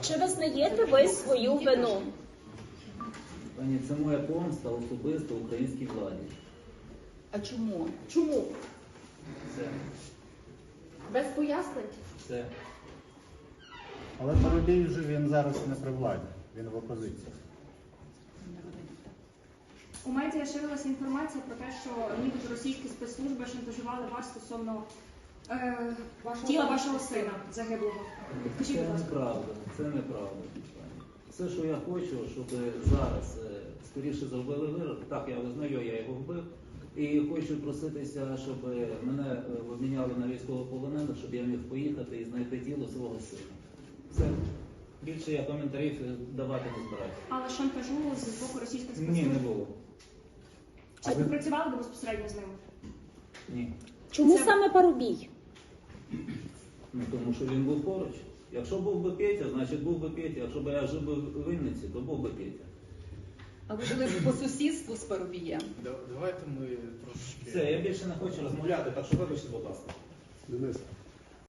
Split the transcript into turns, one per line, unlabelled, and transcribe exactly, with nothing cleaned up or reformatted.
Чи визнаєте ви свою вину?
Пані, це моя помста особисто українській владі.
А чому? Чому?
Все.
Без пояснень?
Все.
Але Парубій вже він зараз не при владі, він в опозиції.
У медіа ширилася інформація про те, що нібито російські спецслужби шантажували вас стосовно е, тіла вашого сина загиблого. Скажіть,
Це
будь ласка.
неправда. Це неправда. Все, що я хочу, щоб зараз е, скоріше зробили вирок. Так, я визнаю, я його вбив. І хочу проситися, щоб мене е, обміняли на військовополонених, щоб я міг поїхати і знайти тіло свого сина. Все. Більше я коментарів давати не збираюся.
Але шантажу з боку російських
Ні,
спецслужб?
не було.
Чи співпрацювали ви безпосередньо з ними?
Ні.
Чому
Це-
саме Парубій?
Ну, тому що він був поруч. Якщо був би Петя, значить був би Петя. Якщо б я жив би в Вінниці, то був би Петя.
А ви жили по сусідству з Парубієм?
Да- Давайте ми трошки...
Все, я більше не хочу розмовляти, так що вибачте, будь ласка.
Денис,